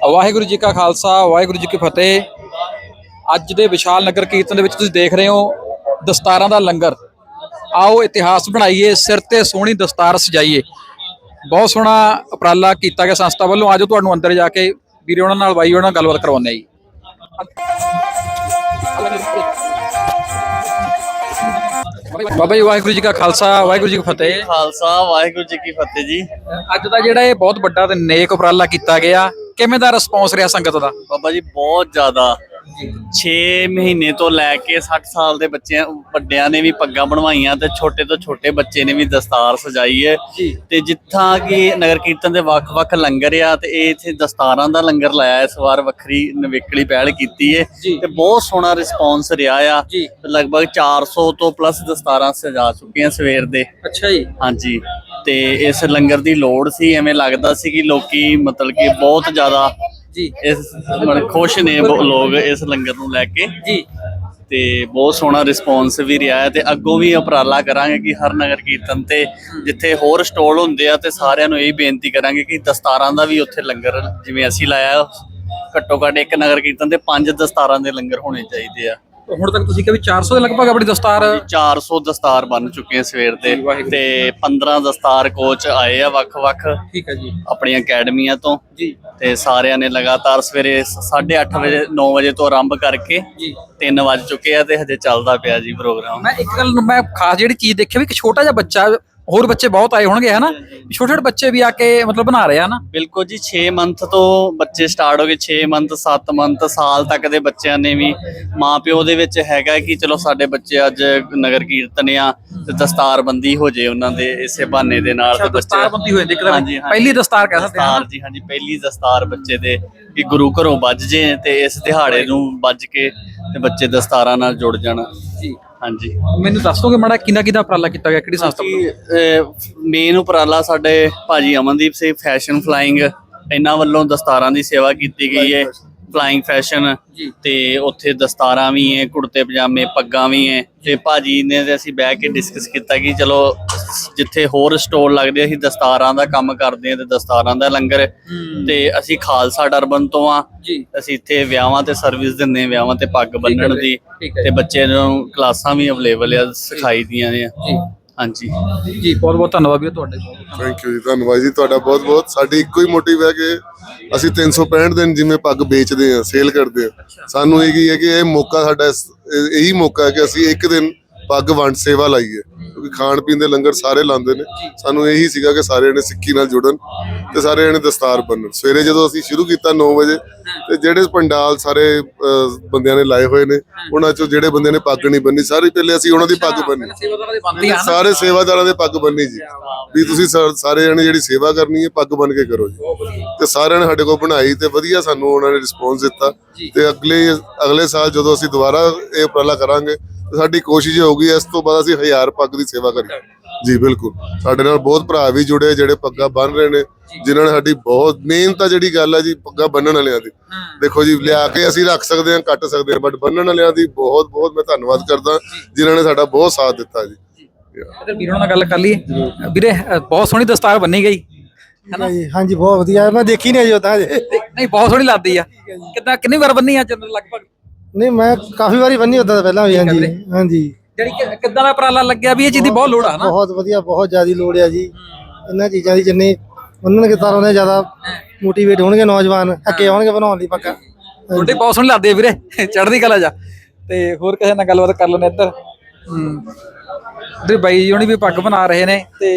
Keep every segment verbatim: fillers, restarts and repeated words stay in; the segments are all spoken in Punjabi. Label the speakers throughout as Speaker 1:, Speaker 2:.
Speaker 1: ਵਾਹਿਗੁਰੂ ਜੀ ਕਾ ਖਾਲਸਾ ਵਾਹਿਗੁਰੂ ਜੀ ਕੀ ਫਤਿਹ। ਅੱਜ ਦੇ ਵਿਸ਼ਾਲ ਨਗਰ ਕੀਰਤਨ ਦੇ ਵਿੱਚ ਤੁਸੀਂ ਦੇਖ ਰਹੇ ਹੋ ਦਸਤਾਰਾਂ ਦਾ ਲੰਗਰ। ਆਓ ਇਤਿਹਾਸ ਬਣਾਈਏ, ਸਿਰ ਤੇ ਸੋਹਣੀ ਦਸਤਾਰ ਸਜਾਈਏ। ਬਹੁਤ ਸੋਹਣਾ ਉਪਰਾਲਾ ਕੀਤਾ ਗਿਆ ਸੰਸਥਾ ਵੱਲੋਂ। ਆਜੋ ਤੁਹਾਨੂੰ ਅੰਦਰ ਜਾ ਕੇ ਵੀਰੇ ਉਹਨਾਂ ਨਾਲ ਬਾਈ ਉਹਨਾਂ ਨਾਲ ਗੱਲਬਾਤ ਕਰਵਾਉਂਦੇ ਆ ਜੀ। ਬਾਬਾ ਜੀ ਵਾਹਿਗੁਰੂ ਜੀ ਕਾ ਖਾਲਸਾ ਵਾਹਿਗੁਰੂ ਜੀ ਕੀ ਫਤਿਹ।
Speaker 2: ਖਾਲਸਾ ਵਾਹਿਗੁਰੂ ਜੀ ਕੀ ਫਤਿਹ ਜੀ।
Speaker 1: ਅੱਜ ਦਾ ਜਿਹੜਾ ਇਹ ਬਹੁਤ ਵੱਡਾ ਤੇ ਨੇਕ ਉਪਰਾਲਾ ਕੀਤਾ ਗਿਆ, ਕਿਵੇਂ ਦਾ ਰਿਸਪੌਂਸ ਰਿਹਾ ਸੰਗਤ ਦਾ?
Speaker 2: ਬਾਬਾ ਜੀ ਬਹੁਤ ਜ਼ਿਆਦਾ। ਛੇ ਮਹੀਨੇ ਤੋਂ ਲੈ ਕੇ ਸੱਠ ਸਾਲ ਦੇ ਬੱਚਿਆਂ ਵੱਡਿਆਂ ਨੇ ਵੀ ਪੱਗਾਂ ਬਣਵਾਈਆਂ ਤੇ ਛੋਟੇ ਤੋਂ ਛੋਟੇ ਬੱਚੇ ਨੇ ਵੀ ਦਸਤਾਰ ਸਜਾਈ ਹੈ। ਤੇ ਜਿੱਥਾਂ ਕਿ ਨਗਰ ਕੀਰਤਨ ਦੇ ਵੱਖ-ਵੱਖ ਲੰਗਰ ਆ ਤੇ ਇਹ ਇੱਥੇ ਦਸਤਾਰਾਂ ਦਾ ਲੰਗਰ ਲਾਇਆ ਇਸ ਵਾਰ, ਵੱਖਰੀ ਨਵੇਕਲੀ ਪਹਿਲ ਕੀਤੀ ਹੈ ਤੇ ਬਹੁਤ ਸੋਹਣਾ ਰਿਸਪੌਂਸ ਰਿਹਾ ਆ। ਲਗਭਗ ਚਾਰ ਸੌ ਤੋਂ ਪਲੱਸ ਦਸਤਾਰਾਂ ਸਜਾ ਚੁੱਕੀਆਂ ਸਵੇਰ ਦੇ।
Speaker 1: ਅੱਛਾ ਜੀ।
Speaker 2: ਹਾਂਜੀ, ਤੇ ਇਸ ਲੰਗਰ ਦੀ ਲੋੜ ਸੀ। ਐਵੇਂ ਲੱਗਦਾ ਸੀ ਕਿ ਲੋਕੀ ਮਤਲਬ ਕਿ ਬਹੁਤ ਜ਼ਿਆਦਾ ਜੀ ਇਸ ਮਤਲਬ ਖੁਸ਼ ਨੇ ਲੋਕ ਇਸ ਲੰਗਰ ਨੂੰ ਲੈ ਕੇ ਜੀ। ਤੇ ਬਹੁਤ ਸੋਹਣਾ ਰਿਸਪੌਂਸ ਵੀ ਰਿਹਾ ਹੈ ਤੇ ਅੱਗੋਂ ਵੀ ਉਪਰਾਲਾ ਕਰਾਂਗੇ ਕਿ ਹਰ ਨਗਰ ਕੀਰਤਨ ਤੇ ਜਿੱਥੇ ਹੋਰ ਸਟੋਲ ਹੁੰਦੇ ਆ ਤੇ ਸਾਰਿਆਂ ਨੂੰ ਇਹ ਬੇਨਤੀ ਕਰਾਂਗੇ ਕਿ ਦਸਤਾਰਾਂ ਦਾ ਵੀ ਉੱਥੇ ਲੰਗਰ ਜਿਵੇਂ ਅਸੀਂ ਲਾਇਆ, ਘੱਟੋ ਘੱਟ ਇੱਕ ਨਗਰ ਕੀਰਤਨ ਤੇ ਪੰਜ ਦਸਤਾਰਾਂ ਦੇ ਲੰਗਰ ਹੋਣੇ ਚਾਹੀਦੇ ਆ।
Speaker 1: ਹੁਣ ਤੱਕ ਤੁਸੀਂ ਕਿਹਾ ਵੀ ਚਾਰ ਸੌ ਦੇ ਲਗਭਗ ਆਪਣੀ ਦਸਤਾਰ
Speaker 2: ਚਾਰ ਸੌ ਦਸਤਾਰ ਬਣ ਚੁੱਕੇ ਆ ਸਵੇਰ ਦੇ ਤੇ ਪੰਦਰਾਂ ਦਸਤਾਰ ਕੋਚ ਆਏ ਆ ਵੱਖ-ਵੱਖ
Speaker 1: ਠੀਕ ਹੈ ਜੀ
Speaker 2: ਆਪਣੀਆਂ ਅਕੈਡਮੀਆਂ ਤੋਂ
Speaker 1: ਜੀ।
Speaker 2: ਤੇ ਸਾਰਿਆਂ ਨੇ ਲਗਾਤਾਰ ਸਵੇਰੇ ਸਾਢੇ ਅੱਠ ਵਜੇ ਨੌ ਵਜੇ ਤੋਂ ਆਰੰਭ ਕਰਕੇ ਜੀ ਤਿੰਨ ਵੱਜ ਚੁੱਕੇ ਆ ਤੇ ਹਜੇ ਚੱਲਦਾ ਪਿਆ ਜੀ ਪ੍ਰੋਗਰਾਮ।
Speaker 1: ਮੈਂ ਇੱਕ ਗੱਲ ਮੈਂ ਖਾਸ ਜਿਹੜੀ ਚੀਜ਼ ਦੇਖੀ ਵੀ ਇੱਕ ਛੋਟਾ ਜਿਹਾ ਬੱਚਾ, ਹੋਰ ਬੱਚੇ ਬਹੁਤ ਆਏ ਹੋਣਗੇ ਹਨਾ, ਛੋਟੇ ਛੋਟੇ ਬੱਚੇ ਵੀ ਆ ਕੇ ਮਤਲਬ ਬਣਾ ਰਹੇ ਆ ਨਾ।
Speaker 2: ਬਿਲਕੁਲ ਜੀ, ਛੇ ਮੰਥ ਤੋਂ ਬੱਚੇ ਸਟਾਰਟ ਹੋ ਗਏ। ਛੇ ਮੰਥ ਸੱਤ ਮੰਥ ਸਾਲ ਤੱਕ ਦੇ ਬੱਚਿਆਂ ਨੇ ਵੀ ਮਾਂ ਪਿਓ ਦੇ ਵਿੱਚ ਹੈਗਾ ਕਿ ਚਲੋ ਸਾਡੇ ਬੱਚੇ ਅੱਜ ਨਗਰ ਕੀਰਤਨ ਆ ਤੇ ਦਸਤਾਰਬੰਦੀ ਹੋ ਜੇ ਉਹਨਾਂ ਦੇ ਇਸੇ ਬਹਾਨੇ ਦੇ ਨਾਲ। ਤੇ
Speaker 1: ਦਸਤਾਰਬੰਦੀ ਹੋਏ ਪਹਿਲੀ ਦਸਤਾਰ ਕਹਿ ਸਕਦੇ ਹਾਂ
Speaker 2: ਜੀ। ਹਾਂਜੀ, ਪਹਿਲੀ ਦਸਤਾਰ ਬੱਚੇ ਦੇ ਕਿ ਗੁਰੂ ਘਰੋਂ ਵੱਜ ਜੇ ਤੇ ਇਸ ਦਿਹਾੜੇ ਨੂੰ ਵੱਜ ਕੇ ਤੇ ਬੱਚੇ ਦਸਤਾਰਾਂ ਨਾਲ ਜੁੜ ਜਾਣ ਜੀ। ਹਾਂਜੀ,
Speaker 1: ਮੈਨੂੰ ਦੱਸ ਦੋਗੇ ਮਾੜਾ ਕਿੰਨਾ ਕਿੰਨਾ ਉਪਰਾਲਾ ਕੀਤਾ ਗਿਆ, ਕਿਹੜੀ ਸੰਸਥਾ ਵੱਲੋਂ?
Speaker 2: ਮੇਨ ਉਪਰਾਲਾ ਸਾਡੇ ਭਾਜੀ ਅਮਨਦੀਪ ਸਿੰਘ ਫੈਸ਼ਨ ਫਲਾਈਂਗ, ਇਹਨਾਂ ਵੱਲੋਂ ਦਸਤਾਰਾਂ ਦੀ ਸੇਵਾ ਕੀਤੀ ਗਈ ਹੈ। ਫਲਾਈਂਗ ਫੈਸ਼ਨ ਤੇ ਉੱਥੇ ਦਸਤਾਰਾਂ ਵੀ ਹੈ, ਕੁੜਤੇ ਪਜਾਮੇ, ਪੱਗਾਂ ਵੀ ਹੈ। ਤੇ ਭਾਜੀ ਨੇ ਤੇ ਅਸੀਂ ਬਹਿ ਕੇ ਡਿਸਕਸ ਕੀਤਾ ਕਿ ਚਲੋ ਜਿੱਥੇ ਹੋਰ ਸਟੋਲ ਲੱਗਦੇ ਅਸੀਂ ਦਸਤਾਰਾਂ ਦਾ ਕੰਮ ਕਰਦੇ ਹਾਂ ਤੇ ਦਸਤਾਰਾਂ ਦਾ ਲੰਗਰ। ਤੇ ਅਸੀਂ ਖਾਲਸਾ ਡਰਬਨ ਤੋਂ ਆ, ਅਸੀਂ ਇੱਥੇ ਵਿਆਹਾਂ ਤੇ ਸਰਵਿਸ ਦਿੰਦੇ, ਵਿਆਹਾਂ ਤੇ ਪੱਗ ਬੰਨਣ ਦੀ ਤੇ ਬੱਚੇ ਨੂੰ ਕਲਾਸਾਂ ਵੀ ਅਵੇਲੇਬਲ ਆ, ਸਿਖਾਈ ਦੀਆਂ ਨੇ। ਹਾਂਜੀ
Speaker 1: ਜੀ, ਬਹੁਤ ਬਹੁਤ ਧੰਨਵਾਦ ਵੀਰ ਤੁਹਾਡੇ।
Speaker 3: ਥੈਂਕ ਯੂ ਜੀ, ਧੰਨਵਾਦ ਜੀ ਤੁਹਾਡਾ ਬਹੁਤ ਬਹੁਤ। ਸਾਡੀ ਇੱਕੋ ਹੀ ਮੋਟਿਵ ਹੈ ਕਿ ਅਸੀਂ ਤਿੰਨ ਸੌ ਪੈਂਹਠ ਦਿਨ ਜਿਵੇਂ ਪੱਗ ਵੇਚਦੇ ਹਾਂ, ਸੇਲ ਕਰਦੇ ਹਾਂ, ਸਾਨੂੰ ਇਹ ਕੀ ਹੈ ਕਿ ਇਹ ਮੌਕਾ ਸਾਡਾ ਇਹੀ ਮੌਕਾ ਹੈ ਕਿ ਅਸੀਂ ਇੱਕ ਦਿਨ ਪੱਗ ਵੰਡ ਸੇਵਾ ਲਾਈਏ, ਕਿਉਂਕਿ ਖਾਣ ਪੀਣ ਦੇ ਲੰਗਰ ਸਾਰੇ ਲਾਉਂਦੇ ਨੇ। ਸਾਨੂੰ ਇਹੀ ਸੀਗਾ ਕਿ ਸਾਰੇ ਜਣੇ ਸਿੱਖੀ ਨਾਲ ਜੁੜਨ ਤੇ ਸਾਰੇ ਜਣੇ ਦਸਤਾਰ ਬੰਨਣ। ਸਵੇਰੇ ਜਦੋਂ ਅਸੀਂ ਸ਼ੁਰੂ ਕੀਤਾ ਨੌ ਵਜੇ ਤੇ ਜਿਹੜੇ ਪੰਡਾਲ ਸਾਰੇ ਬੰਦਿਆਂ ਨੇ ਲਾਏ ਹੋਏ ਨੇ ਉਹਨਾਂ ਚੋਂ ਜਿਹੜੇ ਬੰਦੇ ਨੇ ਪੱਗ ਨਹੀਂ ਬੰਨੀ, ਸਾਰੇ ਪਹਿਲੇ ਅਸੀਂ ਉਹਨਾਂ ਦੀ ਪੱਗ ਬੰਨੀ, ਸਾਰੇ ਸੇਵਾਦਾਰਾਂ ਦੇ ਪੱਗ ਬੰਨੀ ਜੀ। ਵੀ ਤੁਸੀਂ ਸਾਰੇ ਜਣੇ ਜਿਹੜੀ ਸੇਵਾ ਕਰਨੀ ਹੈ ਪੱਗ ਬੰਨ ਕੇ ਕਰੋ ਜੀ। ਤੇ ਸਾਰਿਆਂ ਨੇ ਸਾਡੇ ਕੋਲ ਬਣਾਈ ਤੇ ਵਧੀਆ ਸਾਨੂੰ ਉਹਨਾਂ ਨੇ ਰਿਸਪੌਂਸ ਦਿੱਤਾ। ਤੇ ਅਗਲੇ ਅਗਲੇ ਸਾਲ ਜਦੋਂ ਅਸੀਂ ਦੁਬਾਰਾ ਇਹ ਉਪਰਾਲਾ ਕਰਾਂਗੇ ਸਾਡੀ ਕੋਸ਼ਿਸ਼ ਹੋਊਗੀ ਇਸ ਤੋਂ ਬਾਅਦ ਅਸੀਂ ਹਜ਼ਾਰ ਪੱਗ ਦੀ ਸੇਵਾ ਕਰੀਏ ਜੀ। ਬਿਲਕੁਲ, ਸਾਡੇ ਨਾਲ ਬਹੁਤ ਭਰਾ ਵੀ ਜੁੜੇ ਜਿਹੜੇ ਪੱਗਾਂ ਬੰਨ ਰਹੇ ਨੇ, ਜਿਨ੍ਹਾਂ ਨੇ ਸਾਡੀ ਬਹੁਤ ਮੇਨ ਤਾਂ ਜਿਹੜੀ ਗੱਲ ਹੈ ਜੀ ਪੱਗਾਂ ਬੰਨਣ ਵਾਲਿਆਂ ਦੀ। ਦੇਖੋ ਜੀ, ਲਿਆ ਕੇ ਅਸੀਂ ਰੱਖ ਸਕਦੇ ਹਾਂ, ਕੱਟ ਸਕਦੇ ਹਾਂ, ਬਟ ਬੰਨਣ ਵਾਲਿਆਂ ਦੀ ਬਹੁਤ ਬਹੁਤ ਮੈਂ ਧੰਨਵਾਦ ਕਰਦਾ ਜਿਨ੍ਹਾਂ ਨੇ ਸਾਡਾ ਬਹੁਤ ਸਾਥ ਦਿੱਤਾ ਜੀ।
Speaker 1: ਵੀਰਾਂ ਨਾਲ ਗੱਲ ਕਰ ਲਈਏ ਵੀਰੇ, ਬਹੁਤ ਸੋਹਣੀ ਦਸਤਾਰ ਬੰਨੀ ਗਈ
Speaker 4: ਹੈਨਾ ਜੀ? ਹਾਂਜੀ, ਬਹੁਤ ਵਧੀਆ। ਮੈਂ ਦੇਖੀ ਨਹੀਂ ਅਜੇ ਤਾਂ।
Speaker 1: ਨਹੀਂ, ਬਹੁਤ ਸੋਹਣੀ ਲੱਗਦੀ ਆ। ਕਿੱਦਾਂ ਕਿੰਨੀ ਵਾਰ ਬੰਨੀ ਅੱਜ ਲਗਭਗ?
Speaker 4: ਨਹੀਂ, ਮੈਂ ਕਾਫੀ ਵਾਰੀ ਬੰਨੀ ਉਦਾਂ ਤਾਂ ਪਹਿਲਾਂ ਵੀ। ਹਾਂਜੀ ਹਾਂਜੀ।
Speaker 1: ਜਿਹੜੀ ਕਿੱਦਾਂ ਦਾ ਉਪਰਾਲਾ ਲੱਗਿਆ ਵੀ ਇਹ ਚੀਜ਼ ਦੀ ਬਹੁਤ ਲੋੜ ਆ ਨਾ?
Speaker 4: ਬਹੁਤ ਵਧੀਆ, ਬਹੁਤ ਜ਼ਿਆਦਾ ਲੋੜ ਆ ਜੀ ਇਹਨਾਂ ਚੀਜ਼ਾਂ ਦੀ। ਜਿੰਨੇ ਉਹਨਾਂ ਨੇ ਤਾਂ ਉਹਨੇ ਜ਼ਿਆਦਾ ਮੋਟੀਵੇਟ ਹੋਣਗੇ ਨੌਜਵਾਨ, ਅੱਗੇ ਆਉਣਗੇ ਬਣਾਉਣ ਲਈ ਪੱਕਾ।
Speaker 1: ਤੁਹਾਡੇ ਬਹੁਤ ਸੋਹਣੀ ਲੱਗਦੀ ਆ ਵੀਰੇ, ਚੜ੍ਹਦੀ ਕਲਾ ਜਾ। ਤੇ ਹੋਰ ਕਿਸੇ ਨਾਲ ਗੱਲਬਾਤ ਕਰ ਲੈਣੇ ਇੱਧਰ। ਹੂੰ, ਤੇ ਬਾਈ ਜੀ ਹੁਣੀ ਵੀ ਪੱਗ ਬਣਾ ਰਹੇ ਨੇ। ਤੇ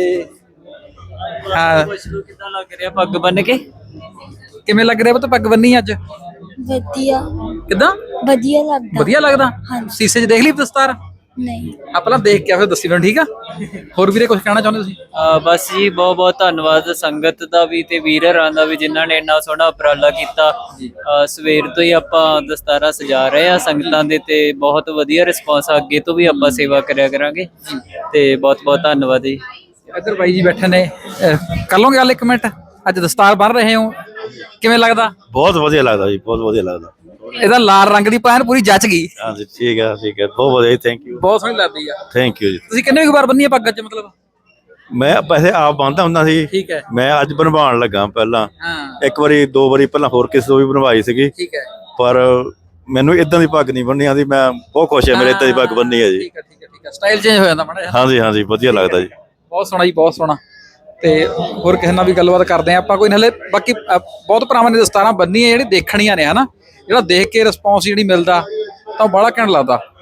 Speaker 1: ਹਾਂ,
Speaker 2: ਕਿੱਦਾਂ ਲੱਗ ਰਿਹਾ ਪੱਗ ਬੰਨ ਕੇ?
Speaker 1: ਕਿਵੇਂ ਲੱਗ ਰਿਹਾ ਪੁੱਤ ਪੱਗ ਬੰਨੀ ਅੱਜ?
Speaker 5: ਵਧੀਆ।
Speaker 1: ਕਿੱਦਾਂ?
Speaker 5: ਵਧੀਆ ਲੱਗਦਾ।
Speaker 1: ਵਧੀਆ ਲੱਗਦਾ? ਸ਼ੀਸ਼ੇ 'ਚ ਦੇਖ ਲਈ ਦਸਤਾਰ?
Speaker 5: ਨਹੀਂ।
Speaker 1: ਆ ਪਹਿਲਾਂ ਦੇਖ ਕੇ ਫਿਰ ਦੱਸੀ ਮੈਨੂੰ, ਠੀਕ ਆ? ਹੋਰ ਵੀਰੇ ਕੁਝ ਕਹਿਣਾ ਚਾਹੁੰਦੇ ਤੁਸੀਂ?
Speaker 6: ਬਸ ਜੀ, ਬਹੁਤ ਬਹੁਤ ਧੰਨਵਾਦ ਸੰਗਤ ਦਾ ਵੀ ਤੇ ਵੀਰਾਂ ਦਾ ਵੀ ਜਿਨ੍ਹਾਂ ਨੇ ਇੰਨਾ ਸੋਹਣਾ ਉਪਰਾਲਾ ਕੀਤਾ। ਸਵੇਰ ਤੋਂ ਹੀ ਆਪਾਂ ਦਸਤਾਰਾਂ ਸਜਾ ਰਹੇ ਆ ਸੰਗਤਾਂ ਦੇ ਤੇ ਬਹੁਤ ਵਧੀਆ ਰਿਸਪੌਂਸ। ਅੱਗੇ ਤੋਂ ਵੀ ਆਪਾਂ ਸੇਵਾ ਕਰਿਆ ਕਰਾਂਗੇ ਤੇ ਬਹੁਤ ਬਹੁਤ ਧੰਨਵਾਦ ਜੀ।
Speaker 1: ਇੱਧਰ ਬਾਈ ਜੀ ਬੈਠੇ ਨੇ, ਕਰ ਲਓਗੇ ਗੱਲ ਇੱਕ ਮਿੰਟ? ਅੱਜ ਦਸਤਾਰ ਬੰਨ ਰਹੇ ਹੋ, ਕਿਵੇਂ ਲੱਗਦਾ?
Speaker 7: ਬਹੁਤ ਵਧੀਆ ਲੱਗਦਾ ਜੀ, ਬਹੁਤ ਵਧੀਆ ਲੱਗਦਾ।
Speaker 1: ਇਹਦਾ ਲਾਲ ਰੰਗ ਦੀ ਪੈਨ ਪੂਰੀ ਜੱਚ ਗਈ।
Speaker 7: ਹਾਂਜੀ, ਠੀਕ ਹੈ ਠੀਕ ਹੈ, ਬਹੁਤ ਵਧੀਆ, ਥੈਂਕ ਯੂ।
Speaker 1: ਬਹੁਤ ਸੋਹਣੀ ਲੱਗਦੀ ਆ।
Speaker 7: ਥੈਂਕ ਯੂ ਜੀ।
Speaker 1: ਤੁਸੀਂ ਕਿੰਨੇ ਕੁ ਵਾਰ ਬੰਨੀ ਆ ਪੱਗ ਅੱਜ? ਮਤਲਬ
Speaker 7: ਮੈਂ ਪੈਸੇ ਆਪ ਬੰਨਦਾ ਹੁੰਦਾ ਸੀ।
Speaker 1: ਠੀਕ ਹੈ।
Speaker 7: ਮੈਂ ਅੱਜ ਬਣਵਾਉਣ ਲੱਗਾ ਪਹਿਲਾਂ,
Speaker 1: ਹਾਂ
Speaker 7: ਇੱਕ ਵਾਰੀ ਦੋ ਵਾਰੀ ਪਹਿਲਾਂ ਹੋਰ ਕਿਸੇ ਤੋਂ ਵੀ ਬਣਵਾਈ ਸੀਗੀ,
Speaker 1: ਠੀਕ ਹੈ।
Speaker 7: ਪਰ ਮੈਨੂੰ ਇਦਾਂ ਦੀ ਪੱਗ ਨਹੀਂ ਬੰਨੀ ਆਉਂਦੀ। ਮੈਂ ਬਹੁਤ ਖੁਸ਼ ਹਾਂ ਮੇਰੇ ਇਦਾਂ ਦੀ ਪੱਗ ਬੰਨੀ ਹੈ ਜੀ।
Speaker 1: ਠੀਕ ਹੈ ਠੀਕ ਹੈ ਠੀਕ ਹੈ ਸਟਾਈਲ ਚੇਂਜ ਹੋ ਜਾਂਦਾ ਮਾੜਾ ਜਿਹਾ।
Speaker 7: ਹਾਂਜੀ ਹਾਂਜੀ ਵਧੀਆ ਲੱਗਦਾ ਜੀ।
Speaker 1: ਬਹੁਤ ਸੋਹਣਾ ਜੀ ਬਹੁਤ ਸੋਹਣਾ। ਤੇ ਹੋਰ ਕਿਸੇ ਨਾਲ ਵੀ ਗੱਲਬਾਤ ਕਰਦੇ ਆ ਆਪਾਂ ਕੋਈ ਨਾਲੇ। ਬਾਕੀ ਅ, ਬਹੁਤ ਭਰਾਵਾਂ ਨੇ ਦਸਤਾਰਾਂ ਬੰਨੀਆਂ ਜਿਹੜੀ ਦੇਖਣੀਆਂ ਨੇ ਹਨਾ, ਜਿਹੜਾ ਦੇਖ ਕੇ ਰਿਸਪੌਂਸ ਜਿਹੜੀ ਮਿਲਦਾ ਤਾਂ ਬੜਾ ਘੈਂਟ ਲੱਗਦਾ।